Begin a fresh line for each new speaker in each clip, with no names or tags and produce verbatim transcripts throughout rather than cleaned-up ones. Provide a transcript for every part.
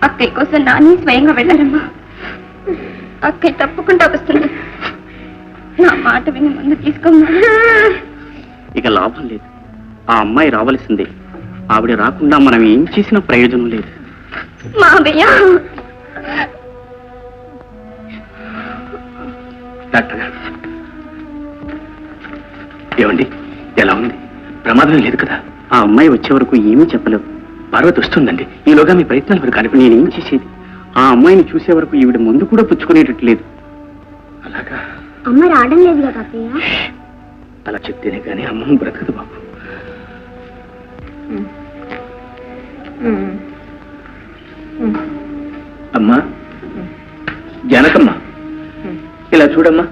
అక్కయ్య కోసం నాని స్వయంగా వెళ్ళారమ్మా. అక్కయ్య తప్పకుండా వస్తుంది. నా మాట విని ముందు తీసుకోమ్మా.
ఇక లాభం లేదు. ఆ అమ్మాయి రావలసిందే. ఆవిడ రాకుండా మనం ఏం చేసిన ప్రయోజనం లేదు.
మావయ్య,
డాక్టర్ గారు ఏమండి, ఎలా ఉంది? ప్రమాదం లేదు కదా? ఆ అమ్మాయి వచ్చే వరకు ఏమీ చెప్పలేవు. పార్వతి వస్తుందండి. ఈలోగా మీ ప్రయత్నాలు వరకు కానీ నేనేం చేసేది? ఆ అమ్మాయిని చూసే వరకు ఈవిడ ముందు కూడా పుచ్చుకునేటట్టు లేదు. అలాగా?
అమ్మ రావడం లేదు కదా అత్తయ్య?
అలా చెప్తేనే కానీ అమ్మ బ్రతకదు బాబు. అమ్మా, జానకమ్మ, ఇలా చూడమ్మా.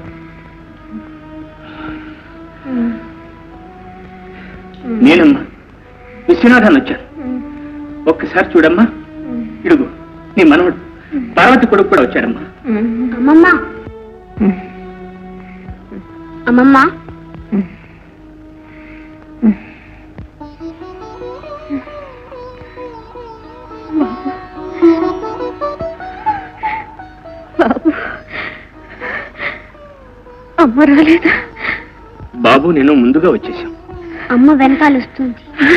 నేనమ్మా విశ్వనాథాన్ని వచ్చాను. ఒక్కసారి చూడమ్మా. ఇడుగు నీ మనవడు పార్వతి కొడుకు కూడా వచ్చాడమ్మా.
అమ్మమ్మ, అమ్మమ్మ, అమ్మ రాలేదా?
బాబు నేను ముందుగా వచ్చేసాం.
అమ్మ వెనకాల వస్తుంది.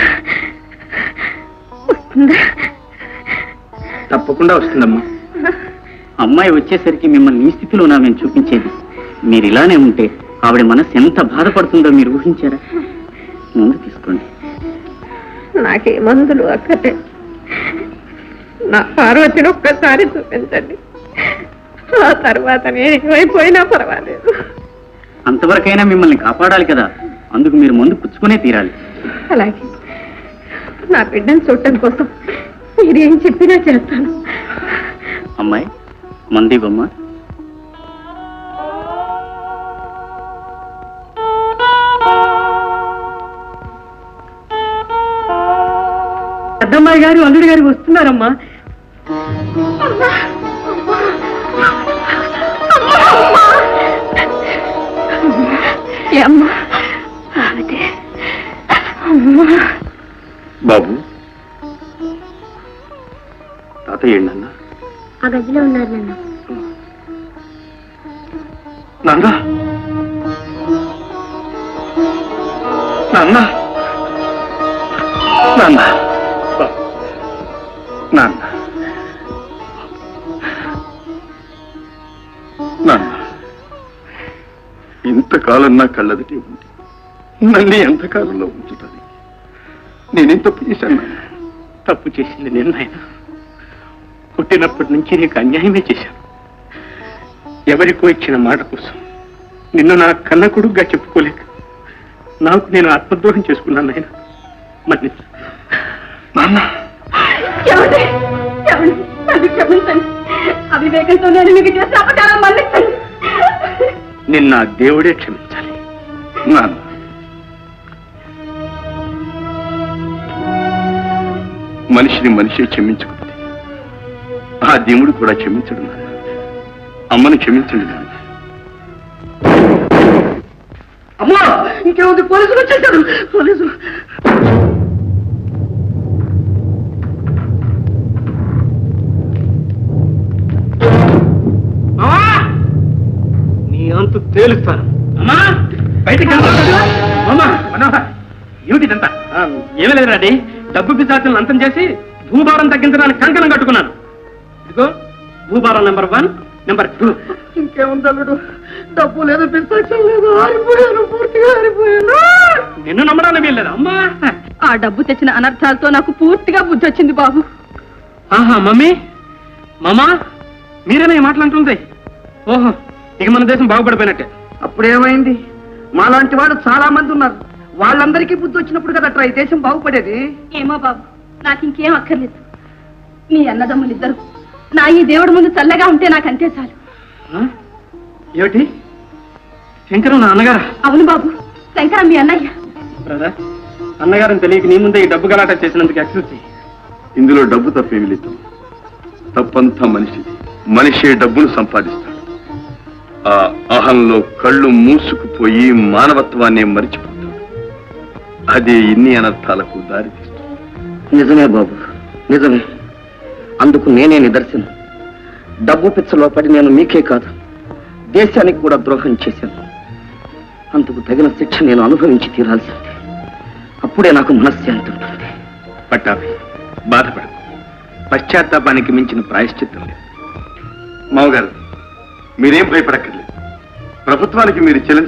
తప్పకుండా వస్తుందమ్మా. అమ్మాయి వచ్చేసరికి మిమ్మల్ని ఈ స్థితిలోనా మేము చూపించేది. మీరు ఇలానే ఉంటే ఆవిడ మనసు ఎంత బాధపడుతుందో మీరు ఊహించారా? ముందు తీసుకోండి.
నాకే మందులు అక్కడే. నా పార్వతిని ఒక్కసారి చూపించండి. ఆ తర్వాత నేను ఏమైపోయినా పర్వాలేదు.
అంతవరకైనా మిమ్మల్ని కాపాడాలి కదా, అందుకు మీరు ముందు పుచ్చుకునే తీరాలి.
అలాగే నా బిడ్డను చూడటం కోసం మీరేం చెప్పినా చేస్తాను.
అమ్మాయి మంది బొమ్మ.
పెద్దమ్మాయి గారు అల్లుడి గారు వస్తున్నారమ్మా.
బాబు, తాతయ్య నాన్న
ఆ గదిలో ఉన్నారు నాన్న.
నాన్న నాన్న నాన్న నాన్న నాన్న ఇంతకాలం నా కళ్ళదిటి ఉంది. నన్ను ఎంతకాలంలో ఉంచుతుంది? నేనేం తప్పు చేశాను? తప్పు చేసింది నేను నాయన. పుట్టినప్పటి నుంచి నీకు అన్యాయమే చేశాను. ఎవరికో ఇచ్చిన మాట కోసం నిన్ను నా కన్న కొడుకుగా చెప్పుకోలేక నాకు నేను ఆత్మద్రోహం చేసుకున్నాను నాయన. మన్నించు నాన్న.
క్షమించండి. అవివేకంతో నేను మీకు చేసిన అపకారం మన్నించండి.
నిన్న దేవుడే క్షమించాలి నాన్న. మనిషిని మనిషి క్షమించకపోతే ఆ దేవుడు కూడా క్షమించడు నాన్న. అమ్మను క్షమించండి నాన్న.
అమ్మా, ఇంకేముంది? పోలీసులు వచ్చేసారు. పోలీసులు
నీ అంతు తేలుస్తాను. అమ్మా బయటకు అమ్మా. మనోహర్, ఏమిటిదంతా? ఏమీ లేదు రాడి. డబ్బు పిశాచులను అంతం చేసి భూభారం తగ్గించడానికి కంకణం కట్టుకున్నాను. ఇదిగో భూభారం నెంబర్ వన్, నెంబర్ టూ.
ఇంకేముంది అల్లుడు? డబ్బు లేదు, పిస్తాచం లేదు, ఆరిపోయాను, పూర్తిగా ఆరిపోయాను.
నిన్ను నమ్మడానికి వీల్లేదు అమ్మా.
ఆ డబ్బు తెచ్చిన అనర్థాలతో నాకు పూర్తిగా బుద్ధి వచ్చింది బాబు.
ఆహా మమ్మీ, మామా, మీరేనా ఈ మాటలంటుంది? ఓహో, ఇక మన దేశం బాగుపడిపోయినట్టే.
అప్పుడేమైంది? మాలాంటి వాడు చాలా మంది ఉన్నారు. వాళ్ళందరికీ బుద్ధి వచ్చినప్పుడు కదా ఈ దేశం బాగుపడేది. ఏమో బాబు, నాకు ఇంకేం అక్కర్లేదు. మీ అన్నదమ్ములు ఇద్దరు నా ఈ దేవుడి ముందు చల్లగా ఉంటే నాకు అంతే చాలు.
ఏమిటి? శంకరం నా అన్నగారా?
అవును బాబు, శంకరం మీ అన్నయ్య.
బ్రదర్, అన్నగారిని తెలియక నీ ముందే ఈ డబ్బు గలాట చేసినందుకు ఎక్స్క్యూజ్ చెయ్యి.
ఇందులో డబ్బు తప్పేమి లేదు. తప్పంతా మనిషిది. మనిషే డబ్బును సంపాదిస్తాడు. ఆ అహంలో కళ్ళు మూసుకుపోయి మానవత్వాన్ని మరిచిపోతాడు. అదే ఇన్ని అనర్థాలకు దారితీస్తుంది.
నిజమే బాబు, నిజమే.
అందుకు నేనే నిదర్శనం. డబ్బు పిచ్చలో పడి నేను మీకే కాదు దేశానికి కూడా ద్రోహం చేశాను. అందుకు తగిన శిక్ష నేను అనుభవించి తీరాల్సిందే. అప్పుడే నాకు మనశ్శాంతి ఉంటుంది.
పట్టాభి, బాధపడదు. పశ్చాత్తాపానికి మించిన ప్రాయశ్చిత్తం లేదు.
మామగారు, మీరేం భయపడక్కర్లేదు. ప్రభుత్వానికి మీరు చెల్లించ